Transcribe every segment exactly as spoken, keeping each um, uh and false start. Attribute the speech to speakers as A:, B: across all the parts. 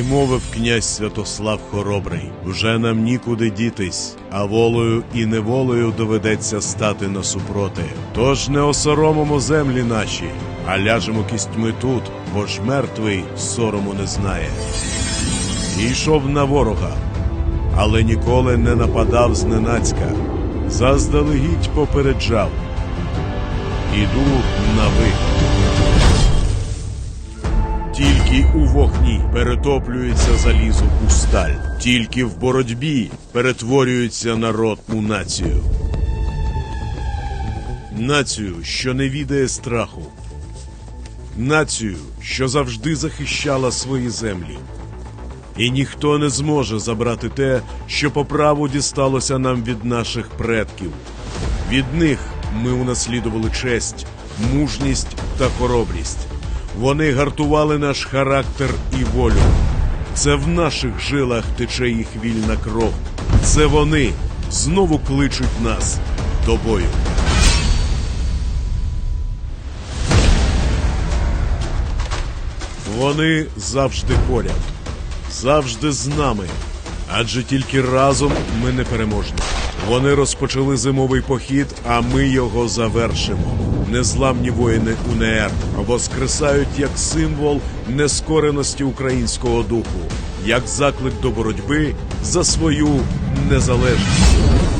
A: І мовив князь Святослав Хоробрий: «Вже нам нікуди дітись, а волею і неволею доведеться стати насупроти. Тож не осоромимо землі наші, а ляжемо кістьми тут, бо ж мертвий сорому не знає». І йшов на ворога, але ніколи не нападав зненацька, заздалегідь попереджав: «Іду на вихід». Тільки у вогні перетоплюється залізо у сталь, тільки в боротьбі перетворюється народ у націю. Націю, що не відає страху. Націю, що завжди захищала свої землі. І ніхто не зможе забрати те, що по праву дісталося нам від наших предків. Від них ми унаслідували честь, мужність та хоробрість. Вони гартували наш характер і волю. Це в наших жилах тече їх вільна кров. Це вони знову кличуть нас до бою. Вони завжди поряд, завжди з нами, адже тільки разом ми непереможні. Вони розпочали зимовий похід, а ми його завершимо. Незламні воїни УНР воскресають як символ нескореності українського духу, як заклик до боротьби за свою незалежність.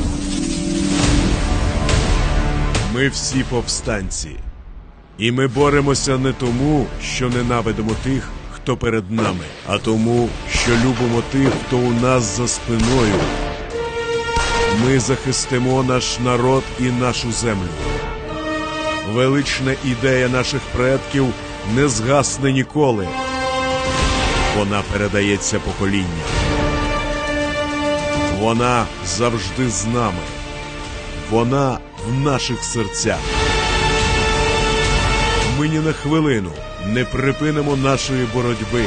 A: Ми всі повстанці. І ми боремося не тому, що ненавидимо тих, хто перед нами, а тому, що любимо тих, хто у нас за спиною. Ми захистимо наш народ і нашу землю. Велична ідея наших предків не згасне ніколи. Вона передається поколінням. Вона завжди з нами. Вона в наших серцях. Ми ні на хвилину не припинимо нашої боротьби.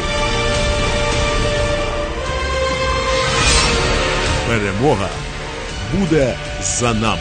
A: Перемога буде за нами.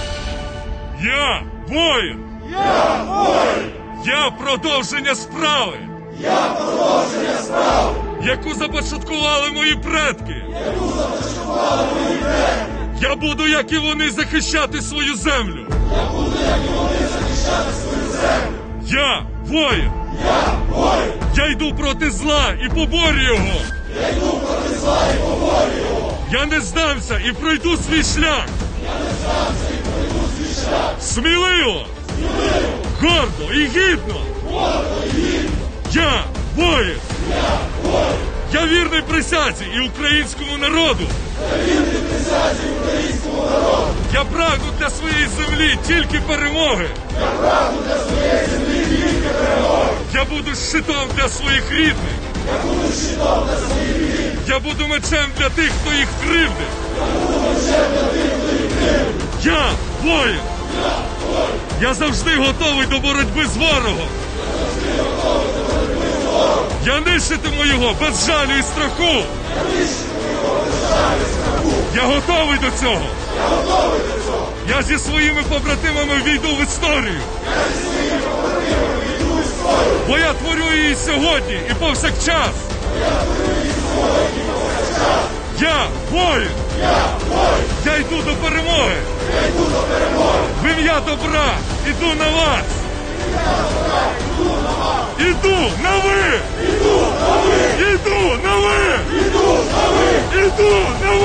B: Я воїн!
C: Я воїн!
B: Я продовження справи!
C: Я продовження справи!
B: Яку започаткували мої предки!
C: Яку започаткували мої предки!
B: Я буду, як і вони, захищати свою землю!
C: Я буду, як і вони, захищати свою землю!
B: Я воїн!
C: Я воїн!
B: Я йду проти зла і поборю його!
C: Я йду проти зла і поборю його!
B: Я не здамся і пройду свій шлях!
C: Я не здамся і пройду свій шлях!
B: Сміливо!
C: Сміливо!
B: Гордо і гідно!
C: Гордо і гідно!
B: Я воїн!
C: Я воїн!
B: Я вірний присязі і українському народу!
C: Я вірний присязі українському народу!
B: Я прагну для своєї землі тільки перемоги!
C: Я прагну для своєї землі тільки перемоги!
B: Я буду щитом для своїх рідних!
C: Я буду щитом для своїх рідних!
B: Я буду мечем для тих, хто їх кривдить!
C: Я буду мечем для тих, хто їх кривдить!
B: Я воїн!
C: Я воїн!
B: Я завжди готовий до боротьби з ворогом!
C: Я завжди готовий до боротьби з ворогом!
B: Я нищитиму його без жалю і страху!
C: Я нищитиму його без жалю і страху!
B: Я готовий до цього!
C: Я готовий до цього!
B: Я зі своїми побратимами війду в історію!
C: Я зі своїми побратимами війду в історію!
B: Бо я творю її сьогодні і повсякчас!
C: Я творю її сьогодні і повсякчас!
B: Я воїн!
C: Я воїн!
B: Я йду до перемоги!
C: Я йду до перемоги!
B: В ім'я добра іду на вас!
C: Я добра йду на вас!
B: Іду на ви!
C: Іду на ви!
B: Іду на ви!
C: Іду на ви!
B: Іду на